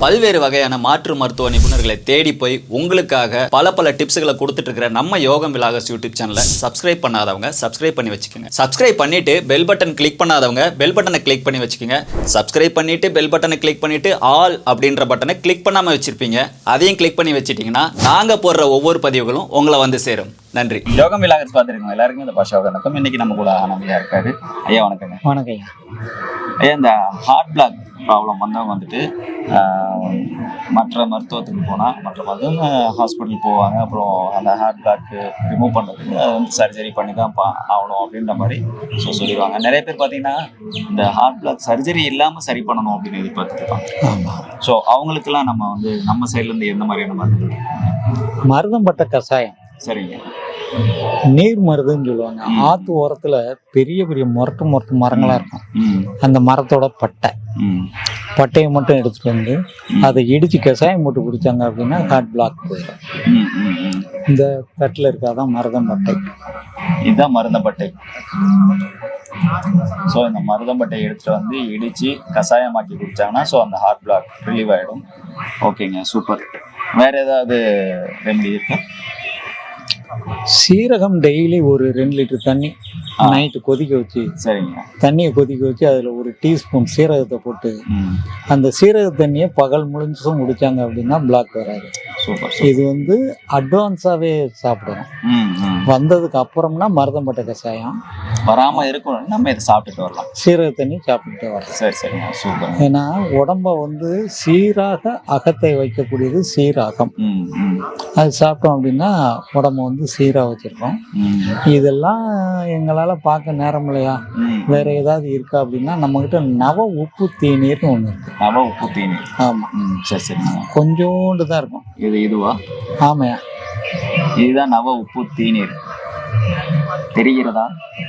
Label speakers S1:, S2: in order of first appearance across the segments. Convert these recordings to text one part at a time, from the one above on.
S1: பல்வேறு வகையான மாற்று மருத்துவ நிபுணர்களை தேடி போய் உங்களுக்காக பல டிப்ஸ்களை கொடுத்துட்டு இருக்கிற நம்ம யோகம் விலாகஸ் யூடியூப் சேனலை சப்ஸ்கிரைப் பண்ணாதவங்க சப்ஸ்கிரைப் பண்ணி வச்சுக்கோங்க. சப்ஸ்கிரைப் பண்ணிட்டு பெல் பட்டன் கிளிக் பண்ணாதவங்க பெல் பட்டனை கிளிக் பண்ணி வச்சுக்கோங்க. சப்ஸ்கிரைப் பண்ணிட்டு பெல் பட்டனை கிளிக் பண்ணிட்டு ஆல் அப்படின்ற பட்டனை கிளிக் பண்ணாம வச்சிருப்பீங்க. அதையும் கிளிக் பண்ணி வச்சிட்டீங்கன்னா நாங்க போடுற ஒவ்வொரு பதிவுகளும் உங்களை வந்து சேரும். நன்றி. யோகம் விலாகஸ் பார்த்துருக்கோம் எல்லாருக்குமே இந்த பாஷா வணக்கம். இன்னைக்கு நம்ம கூட ஆனந்தியா இருக்காரு. ஐயா வணக்கங்க.
S2: வணக்கம் ஐயா.
S1: ஐயா, இந்த ஹார்ட் பிளாக் ப்ராப்ளம் வந்தவங்க வந்துட்டு மற்ற மருத்துவத்துக்கு போனால் மற்ற மருத்துவ ஹாஸ்பிட்டல் போவாங்க. அப்புறம் அந்த ஹார்ட் பிளாக்கு ரிமூவ் பண்ணுறதுக்கு அது வந்து சர்ஜரி பண்ணி தான் ஆகணும் அப்படின்ற மாதிரி சொல்லிடுவாங்க. நிறைய பேர் பார்த்தீங்கன்னா இந்த ஹார்ட் பிளாக் சர்ஜரி இல்லாமல் சரி பண்ணணும் அப்படின்னு எதிர்பார்த்துருப்பாங்க.
S2: ஆமாம்.
S1: ஸோ அவங்களுக்கெல்லாம் நம்ம வந்து நம்ம சைட்லேருந்து எந்த மாதிரியான மருந்து?
S2: மருதம் பட்ட கஷாயம்.
S1: சரிங்க.
S2: நீர் மருதுன்னு சொல்லுவாங்க. ஆத்து ஓரத்துல பெரிய பெரிய முரட்டு மரங்களா இருக்கும். அந்த மரத்தோட பட்டையை மட்டும் எடுத்துட்டு வந்து அதை இடிச்சு கஷாயம் போட்டு குடிச்சாங்க அப்படின்னா ஹார்ட் பிளாக் போயிடும். இந்த தட்டில் இருக்காதான் மருதம்பட்டை.
S1: இதுதான் மருதம்பட்டை. ஸோ இந்த மருதம்பட்டை எடுத்துட்டு வந்து இடிச்சு கஷாயமாக்கி குடிச்சாங்கன்னா ஸோ அந்த ஹார்ட் பிளாக் ரிலீவ் ஆகிடும். ஓகேங்க, சூப்பர். வேற ஏதாவது ரெமெடி இருக்கா?
S2: சீரகம் டெய்லி ஒரு 2 லிட்டர் தண்ணி நைட்டு கொதிக்க வச்சு,
S1: சரிங்க,
S2: தண்ணியை கொதிக்க வச்சு அதில் ஒரு டீஸ்பூன் சீரகத்தை போட்டு அந்த சீரக தண்ணியை பகல் முழுசும் குடிச்சாங்க அப்படின்னா பிளாக் வராது.
S1: சூப்பர்.
S2: இது வந்து அட்வான்ஸாகவே சாப்பிடணும். வந்ததுக்கு அப்புறம்னா மருதம்பட்டை கஷாயம்
S1: வராமல் இருக்கணும். நம்ம இதை சாப்பிட்டுட்டு வரலாம்.
S2: சீரக தண்ணி சாப்பிட்டுட்டு வரலாம்.
S1: சரி சரிங்க, சூப்பர்.
S2: ஏன்னா உடம்ப வந்து சீராக அகத்தை வைக்கக்கூடியது சீரகம். அது சாப்பிட்டோம் அப்படின்னா உடம்ப வந்து சீராக வச்சிருக்கோம். இதெல்லாம் எங்களால் பார்க்க நேரம் இல்லையா, வேற ஏதாவது இருக்கா அப்படின்னா நம்மகிட்ட நவ உப்பு தேநீர்னு ஒன்று இருக்கு.
S1: நவ உப்பு தேநீர்?
S2: ஆமாம்.
S1: சரி சரி.
S2: கொஞ்சோண்டு தான் இருக்கும்.
S1: இதுவா?
S2: ஆமையா,
S1: இதுதான் நவ உப்பு தேநீர். தெரிகிறதா?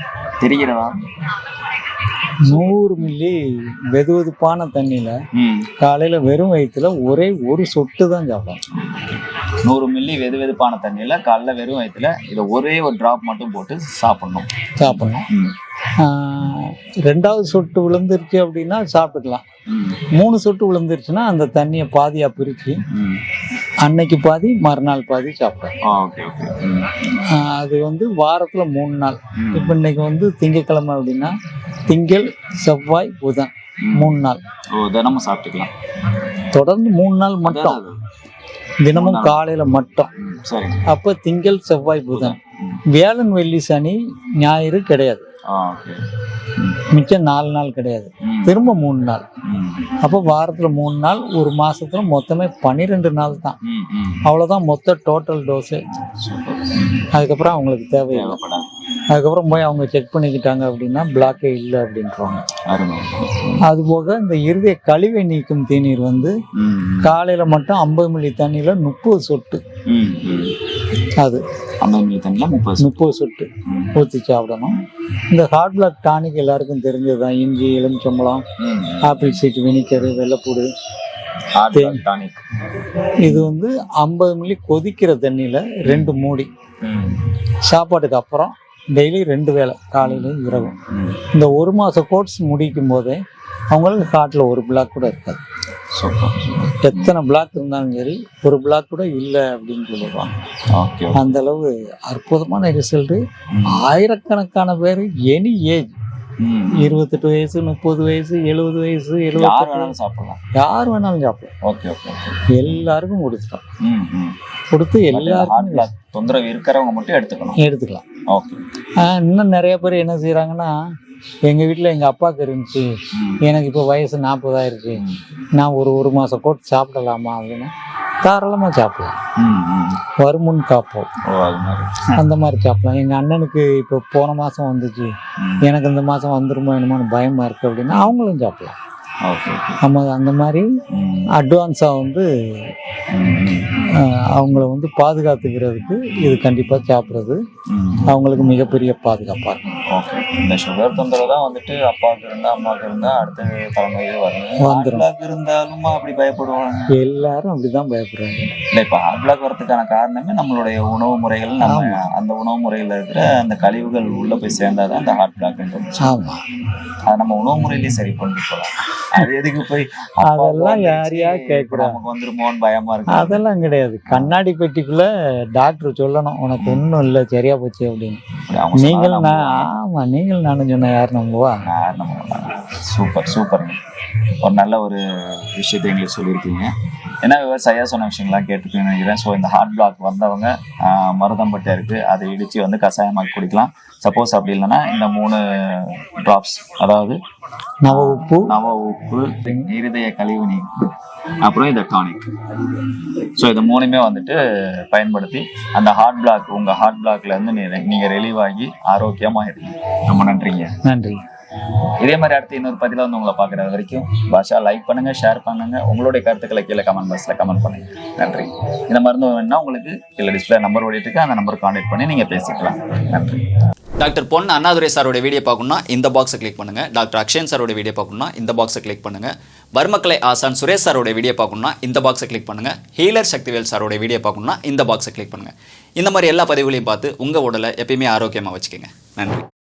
S2: 100 மில்லி வெதுவெதுப்பான தண்ணியில காலையில வெறும் வயிற்றுல ஒரே ஒரு சொட்டு தான் சாப்பிடணும்.
S1: 100 மில்லி வெதுவெதுப்பான தண்ணியில காலைல வெறும் வயிற்றுல இதை ஒரே ஒரு டிராப் மட்டும் போட்டு சாப்பிடணும்.
S2: 2வது சொட்டு விழுந்துருச்சு அப்படின்னா சாப்பிட்டுக்கலாம். 3 சொட்டு விழுந்துருச்சுன்னா அந்த தண்ணியை பாதியா பிரிச்சு அன்னைக்கு பாதி மறுநாள் பாதி சாப்பிடலாம். அது வந்து வாரத்துல 3 நாள். இப்ப இன்னைக்கு வந்து திங்கட்கிழமை அப்படின்னா திங்கள் செவ்வாய் புதன் 3 நாள்
S1: தினமும் சாப்பிட்டுக்கலாம்.
S2: தொடர்ந்து 3 நாள் மட்டும், தினமும் காலையில மட்டும். அப்ப திங்கள் செவ்வாய் புதன், வியாழன் வெள்ளி சனி ஞாயிறு கிடையாது. மிச்சம் 4 நாள் கிடையாது. திரும்ப 3 நாள். அப்போ வாரத்துல 3 நாள், ஒரு மாசத்துல மொத்தமே 12 நாள் தான். அவ்வளவுதான் மொத்த டோட்டல் டோஸு. அதுக்கப்புறம் அவங்களுக்கு தேவையில்லை. அதுக்கப்புறம் போய் அவங்க செக் பண்ணிக்கிட்டாங்க அப்படின்னா பிளாக்கே இல்லை அப்படின்றாங்க. அதுபோக இந்த இருதய கழிவை நீக்கும் தேநீர் வந்து காலையில மட்டும் 50 மில்லி தண்ணியில 30 சொட்டு, அது
S1: 50 மில்லி தண்ணியில 30
S2: சொட்டு ஊற்றி சாப்பிடணும். இந்த ஹார்ட் பிளாக் டானிக் எல்லாருக்கும் தெரிஞ்சதுதான். இஞ்சி, எலுமிச்சம்பழம், ஆப்பிள் சீட் வினிகர், வெள்ளைப்பூடு,
S1: டானிக்.
S2: இது வந்து 50 மில்லி கொதிக்கிற தண்ணியில 2 மூடி சாப்பாட்டுக்கு அப்புறம் டெய்லி 2 வேளை காலையிலும் இரவும். இந்த 1 மாத கோர்ஸ் முடிக்கும் போதே அவங்களுக்கு ஹார்ட்ல ஒரு பிளாக் கூட இருக்காது. எத்தனை பிளாக் இருந்தாலும் சரி ஒரு பிளாக் கூட இல்லை அப்படின்னு சொல்லிடுவாங்க. அந்த அளவு அற்புதமான ரிசல்ட்டு. ஆயிரக்கணக்கான பேர் எனி ஏஜ், 28 வயசு, 30 வயசு, 70 வயசு, 70, யார் வேணாலும் சாப்பிடலாம். எல்லாருக்கும் கொடுத்துட்டோம். கொடுத்து எல்லாருக்கும்
S1: தொந்தரவு இருக்கிறவங்க மட்டும் எடுத்துக்கலாம்.
S2: இன்னும் நிறைய பேர் என்ன செய்யறாங்கன்னா, எங்க வீட்டுல எங்க அப்பாவுக்கு இருந்துச்சு, எனக்கு இப்போ வயசு 40 ஆயிருச்சு, நான் ஒரு மாசம் கோட் சாப்பிடலாமா அப்படின்னு. தாராளமா சாப்பிடலாம். வருமுன் காப்போம், அந்த மாதிரி சாப்பிடலாம். எங்க அண்ணனுக்கு இப்போ போன மாசம் வந்துச்சு, எனக்கு இந்த மாசம் வந்துருமோ என்னமோன்னு பயமா இருக்கு அப்படின்னா அவங்களும் சாப்பிடலாம். நம்ம அந்த மாதிரி அட்வான்ஸாக வந்து அவங்கள வந்து பாதுகாத்துக்கிறதுக்கு இது கண்டிப்பாக சாப்பிட்றது அவங்களுக்கு மிகப்பெரிய பாதுகாப்பாக இருக்கும்.
S3: ஓகே. இந்த சுகர் தொந்தரவு தான் வந்துட்டு அப்பாவுக்கு இருந்தா அம்மாவுக்கு இருந்தா அடுத்த தலைமுறையே வரணும். ஹார்ட் பிளாக் இருந்தாலுமா அப்படி பயப்படுவாங்க?
S2: எல்லாரும் அப்படிதான் பயப்படுறாங்க.
S3: இல்லை, இப்போ ஹார்ட் பிளாக் வரதுக்கான காரணமே நம்மளுடைய உணவு முறைகள். நம்ம அந்த உணவு முறையில் இருக்கிற அந்த கழிவுகள் உள்ள போய் சேர்ந்தாதான் அந்த ஹார்ட் பிளாக்ன்றது.
S2: ஆமா,
S3: அதை நம்ம உணவு முறையிலேயே சரி பண்ணிட்டு போகலாம். அது எதுக்கு போய்
S2: அதெல்லாம் யாரையா கேட்குறாங்க?
S3: நமக்கு வந்துருமோன்னு பயமா இருக்கு.
S2: அதெல்லாம் கிடையாது. கண்ணாடி பெட்டிக்குள்ள டாக்டர் சொல்லணும் உனக்கு ஒன்றும் இல்லை சரியா போச்சு அப்படின்னு. நீங்கள் நீங்கள் நானும் சொன்ன யார் நம்புவா?
S3: சூப்பர் சூப்பருங்க. ஒரு நல்ல ஒரு விஷயத்தை எங்களுக்கு சொல்லியிருக்கீங்க. ஏன்னா விவசாயியா சொன்ன விஷயங்கள்லாம் கேட்டுருக்கீங்கன்னு நினைக்கிறேன். ஸோ இந்த ஹார்ட் பிளாக் வந்தவங்க மருதம்பட்டை இருக்குது, அதை இடித்து வந்து கஷாயமாக்கி குடிக்கலாம். சப்போஸ் அப்படி இல்லைன்னா இந்த 3 ட்ராப்ஸ், அதாவது
S2: நவ உப்பு,
S3: இருதய கழிவு நீக்கு, அப்புறம் இந்த டானிக். ஸோ இது 3மே வந்துட்டு பயன்படுத்தி அந்த ஹார்ட் பிளாக், உங்கள் ஹார்ட் பிளாக்லேருந்து நீங்கள் ரிலீவ் ஆகி ஆரோக்கியமாக இருக்கீங்க. ரொம்ப நன்றிங்க.
S2: நன்றி.
S3: இதே மாதிரி அடுத்து இன்னொரு பதில வந்து உங்களை பார்க்குறது வரைக்கும் பாஷா லைக் பண்ணுங்க, ஷேர் பண்ணுங்க, உங்களுடைய கருத்துக்களை கீழே கமெண்ட் பாக்ஸில் கமெண்ட் பண்ணுங்க. நன்றி. இந்த மருந்து வேணும்னா உங்களுக்கு கீழே டிஸ்பிளே நம்பர் ஓடிட்டு இருக்கு, அந்த நம்பர் கான்டாக்ட் பண்ணி நீங்கள் பேசிக்கலாம். நன்றி.
S1: டாக்டர் பொன் அண்ணாதுரை சாரோட வீடியோ பார்க்கணும்னா இந்த பாக்ஸை கிளிக் பண்ணுங்க. டாக்டர் அக்ஷயன் சாரோட வீடியோ பார்க்கணும்னா இந்த பாக்ஸை கிளிக் பண்ணுங்க. வர்மக்கலை ஆசான் சுரேஷ் சாரோட வீடியோ பார்க்கணும்னா இந்த பாக்ஸை கிளிக் பண்ணுங்க. ஹீலர் சக்திவேல் சாரோட வீடியோ பார்க்கணும்னா இந்த பாக்ஸை கிளிக் பண்ணுங்க. இந்த மாதிரி எல்லா பதிவுகளையும் பார்த்து உங்கள் உடலை எப்பயுமே ஆரோக்கியமாக வச்சுக்கோங்க. நன்றி.